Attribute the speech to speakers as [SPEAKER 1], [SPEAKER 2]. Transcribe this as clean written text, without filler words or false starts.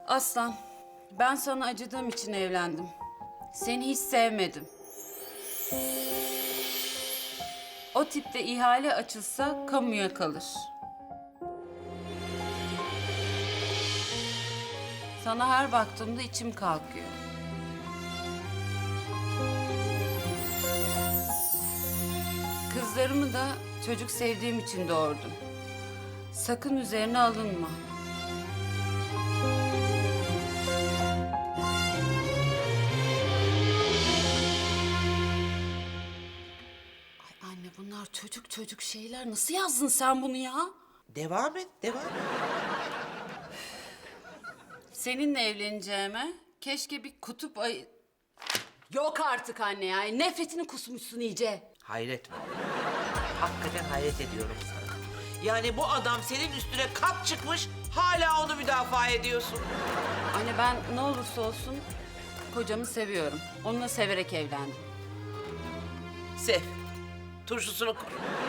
[SPEAKER 1] Aslan, ben sana acıdığım için evlendim. Seni hiç sevmedim. O tipte ihale açılsa kamuya kalır. Sana her baktığımda içim kalkıyor. Kızlarımı da çocuk sevdiğim için doğurdum. Sakın üzerine alınma. Ay anne, bunlar çocuk şeyler. Nasıl yazdın sen bunu ya?
[SPEAKER 2] Devam et, devam et.
[SPEAKER 1] Seninle evleneceğime keşke bir kutup ayı... Yok artık anne ya. Nefretini kusmuşsun iyice.
[SPEAKER 2] Hayret var. Hakikaten hayret ediyorum sana. Yani bu adam senin üstüne kat çıkmış, hala onu müdafaa ediyorsun.
[SPEAKER 1] Anne, ben ne olursa olsun kocamı seviyorum. Onunla severek evlendim.
[SPEAKER 2] Sev. Turşusunu kur.